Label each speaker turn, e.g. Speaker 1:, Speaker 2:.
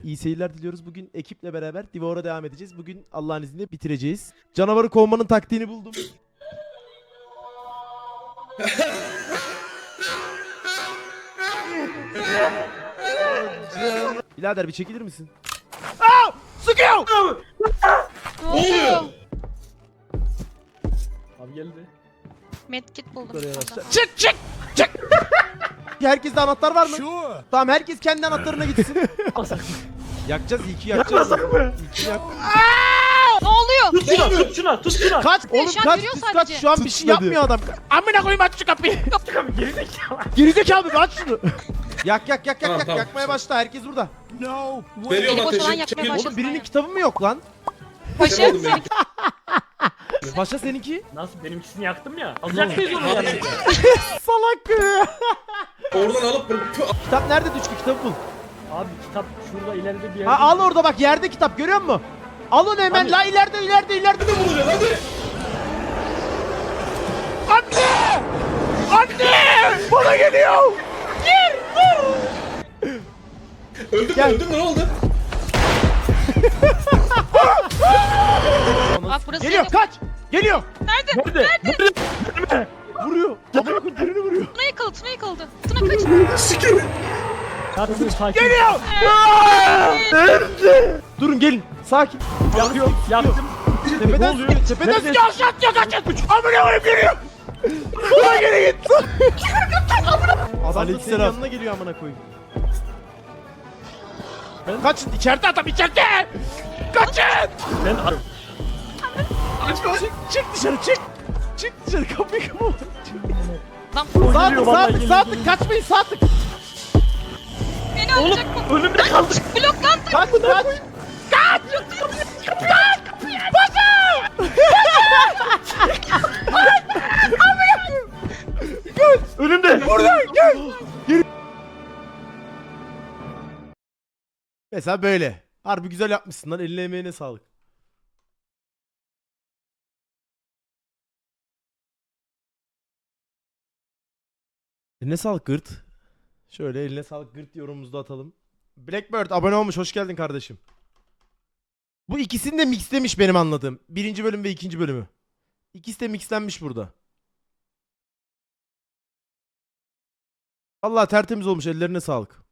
Speaker 1: İyi seyirler diliyoruz. Bugün ekiple beraber Devour'a devam edeceğiz. Bugün Allah'ın izniyle bitireceğiz. Canavarı kovmanın taktiğini buldum. Birader bir çekilir misin? Aa! Sıkıyor!
Speaker 2: Ne oluyor?
Speaker 3: Abi geldi.
Speaker 2: Medkit buldum.
Speaker 1: Buraya
Speaker 2: burada.
Speaker 1: başla. Çık çık çık! Herkeste anahtar var mı? Tamam herkes kendi anahtarına gitsin. Yakacağız iki yakacağız. İki yak.
Speaker 2: Ne oluyor?
Speaker 3: Tut şuna, tut şuna, tut şuna.
Speaker 1: Kaç oğlum
Speaker 2: şu an
Speaker 1: kaç
Speaker 2: görüyor
Speaker 1: düz
Speaker 2: sadece.
Speaker 1: kaç şu an bir şey yapmıyor adam. Amına koyayım aç şu kapıyı.
Speaker 3: Abi geri zekalı.
Speaker 1: Gerizekalı bir aç şunu. Yak yak yak yak
Speaker 4: Tamam,
Speaker 1: yak
Speaker 4: tamam.
Speaker 1: yakmaya başla herkes burada.
Speaker 4: Veriyorum
Speaker 2: Eli boş olan
Speaker 4: ateşi.
Speaker 2: yakmaya
Speaker 4: Çekil.
Speaker 2: başladı.
Speaker 1: Oğlum birinin kitabı mı yok lan?
Speaker 2: Paşa
Speaker 4: Sen oldun
Speaker 2: senin
Speaker 1: Paşa seninki?
Speaker 3: Nasıl benimkisini yaktım ya. Alacak mıyız onu yani?
Speaker 1: Salak.
Speaker 4: Oradan alıp
Speaker 1: Kitap nerede Düşkü kitabı bul.
Speaker 3: Abi kitap şurada ileride bir yerde.
Speaker 1: Ha al orada bak yerde kitap görüyor musun? Al onu hemen
Speaker 3: Hani?
Speaker 1: la ileride.
Speaker 4: bulacaksın hadi.
Speaker 1: Anne! Anne! Bana geliyor! Gir!
Speaker 4: Öldün
Speaker 1: Gel.
Speaker 4: mü öldün mü ne oldu?
Speaker 2: Bak burası
Speaker 1: Geliyor
Speaker 2: senin.
Speaker 1: kaç! Geliyor!
Speaker 3: Nerede? Nerede?
Speaker 1: Vuruyor. Amına koyayım birini vuruyor.
Speaker 2: Tuna yıkıldı. Tuna kaç.
Speaker 4: Sikerim.
Speaker 3: Yaktım sakin.
Speaker 1: Geliyor! Durun gelin. Sakin.
Speaker 3: Yakıyorum. Yaktım.
Speaker 1: Tepeden
Speaker 3: oluyor?
Speaker 1: tepeden
Speaker 3: Nerede?
Speaker 1: sıkıyor aşağı atıyor kaçın. Amına koyayım geliyor. Buna geri git. Adam da senin
Speaker 3: Aleykümselam.
Speaker 1: yanına geliyor amına koyayım. Kaçın içeride adam içeride. Kaçın.
Speaker 3: Ben
Speaker 1: Çık dışarı çık. Çık dışarı kapıyı kapa.
Speaker 2: Lan
Speaker 1: Sağ
Speaker 3: geliyor,
Speaker 1: tık
Speaker 3: vallahi
Speaker 1: sağ tık
Speaker 3: geliyor,
Speaker 1: sağ tık
Speaker 3: geliyor.
Speaker 1: kaçmayın sağ tık.
Speaker 2: beni alacak bu.
Speaker 3: önümde kaldı.
Speaker 2: Bloklandı.
Speaker 1: Kaç kaç. Kaç. Kaç. Paşa.
Speaker 3: Önümde.
Speaker 1: Buradan gel. Geri. Mesela böyle. Harbi güzel yapmışsın lan. Eline emeğine sağlık. Eline sağlık Gırt. Şöyle eline sağlık Gırt yorumumuzu da atalım. Blackbird abone olmuş. Hoş geldin kardeşim. Bu ikisini de mixlemiş benim anladığım. Birinci bölüm ve ikinci bölümü. İkisi de mixlenmiş burada. Allah tertemiz olmuş. Ellerine sağlık.